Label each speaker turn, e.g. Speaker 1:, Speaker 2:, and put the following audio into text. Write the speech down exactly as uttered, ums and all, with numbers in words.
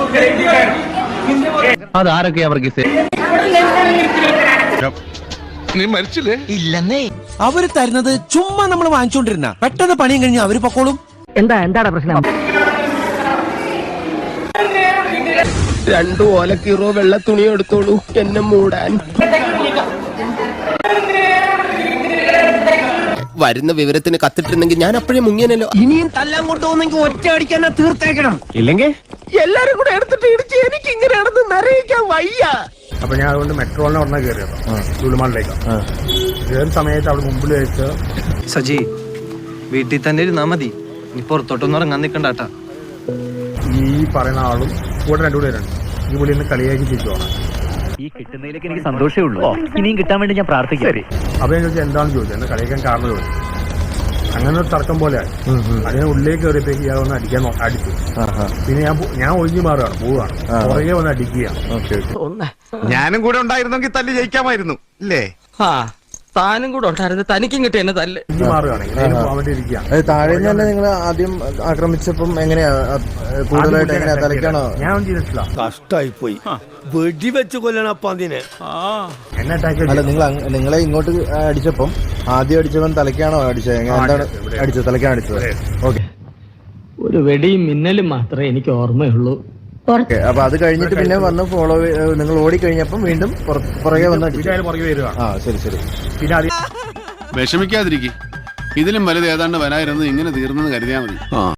Speaker 1: അതാരൊക്കെ അവർക്ക്
Speaker 2: നീ മരിച്ചില്ലേ?
Speaker 3: ഇല്ലെന്നേ.
Speaker 4: അവര് തരുന്നത് ചുമ്മാ നമ്മൾ വാങ്ങിച്ചോണ്ടിരുന്ന പെട്ടെന്ന് പണിയും കഴിഞ്ഞ് അവര് പൊക്കോളും.
Speaker 1: എന്താ എന്താണ് പ്രശ്നം?
Speaker 3: രണ്ടു ഓലക്കീറോ വെള്ള തുണി എടുത്തോളൂ എന്നെ മൂടാൻ. വരുന്ന വിവരത്തിന് കത്തിട്ടിരുന്നെങ്കിൽ ഞാൻ അപ്പോഴേ മുങ്ങിയനല്ലോ. ഇനിയും തല്ലാൻ കൊണ്ടുപോകുന്നെങ്കിൽ ഒറ്റ അടിക്കാൻ തീർത്തേക്കണം. ഇല്ലെങ്കിൽ എല്ലാരും കൂടെ എടുത്തിട്ട് ഇടിച്ച് എനിക്ക് ഇങ്ങനെയാണെന്ന് നിറയിക്കാൻ വയ്യ.
Speaker 5: അപ്പൊ ഞാൻ അതുകൊണ്ട് മെട്രോളിനെ ഉടനെ കയറിയത് ലുലുമാളിലേക്ക്. കയറുന്ന സമയത്ത് അവിടെ മുമ്പിൽ വെച്ച്
Speaker 6: സജി വീട്ടിൽ തന്നെ ഇരുന്നാ മതി, നീ പുറത്തോട്ടൊന്നും ഇറങ്ങാൻ നിക്കണ്ടാട്ടാ.
Speaker 5: ഈ പറയുന്ന ആളും കൂടെ രണ്ടുപേരുണ്ട്. ഈ പുള്ളി ഇന്ന് കളിയാക്കി തിരിച്ചുപോകണം.
Speaker 1: ഈ കിട്ടുന്നതിലേക്ക് എനിക്ക് സന്തോഷമേ ഉള്ളൂ. ഇനിയും കിട്ടാൻ വേണ്ടി ഞാൻ പ്രാർത്ഥിക്കാം.
Speaker 5: അപ്പൊ ഞാൻ ചോദിച്ചാൽ എന്താണെന്ന് ചോദിച്ചത്, എന്നെ കളിയാക്കാൻ കാരണം ചോദിച്ചു. അങ്ങനെ ഒരു തർക്കം പോലെയായി. അതിന് ഉള്ളിലേക്ക് കയറിയപ്പോഴേക്ക് ഇയാൾ വന്ന് അടിക്കാൻ അടിച്ചു. പിന്നെ ഞാൻ ഞാൻ ഒഴിഞ്ഞു മാറുകയാണ്, പോവുകയാണ്. പുറകെ വന്ന് അടിക്കുകയാണ്.
Speaker 2: ഞാനും കൂടെ ഉണ്ടായിരുന്നെങ്കിൽ തല്ലി ജയിക്കാമായിരുന്നു അല്ലേ?
Speaker 3: താനും കൂടെ ഉണ്ടായിരുന്നു, തനിക്കും കിട്ടിയ എന്നെ തല്ല്.
Speaker 5: ഒഴിഞ്ഞു മാറുകയാണ്, ഇങ്ങനെ പോകാൻ വേണ്ടി ഇരിക്കുകയാണ്.
Speaker 7: താഴെ തന്നെ നിങ്ങൾ ആദ്യം ആക്രമിച്ചപ്പം എങ്ങനെയാ കൂടുതലായിട്ട് എങ്ങനെയാ തലയ്ക്കാണോ?
Speaker 5: ഞാൻ ഒന്നും ചെയ്തിട്ടില്ല.
Speaker 4: കഷ്ടായി പോയി. വെടിവെച്ച് കൊല്ലണം അപ്പൊ അതിനെ.
Speaker 5: എന്നെ അറ്റാക്ക്
Speaker 7: അല്ല, നിങ്ങൾ നിങ്ങളെ ഇങ്ങോട്ട് അടിച്ചപ്പം ആദ്യം അടിച്ചവൻ തലയ്ക്കാണോ അടിച്ചത്? എന്താണ് അടിച്ചത്? തലയ്ക്കാണ് അടിച്ചത്. ഓക്കെ.
Speaker 1: ഒരു വെടിയും മിന്നലും മാത്രമേ എനിക്ക് ഓർമ്മയുള്ളൂ.
Speaker 7: അപ്പൊ അത് കഴിഞ്ഞിട്ട് പിന്നെ വന്ന് ഫോളോ നിങ്ങൾ ഓടി കഴിഞ്ഞപ്പം വീണ്ടും പുറകെ വന്ന് അടിച്ചു.
Speaker 5: പുറകെ വരിക.
Speaker 7: ആ ശരി ശരി.
Speaker 5: പിന്നെ അത്
Speaker 2: വിഷമിക്കാതിരിക്കും. ഇതിലും വലുത് ഏതാണ്ട് വരായിരുന്നു, ഇങ്ങനെ തീർന്നെന്ന് കരുതിയാൽ മതി.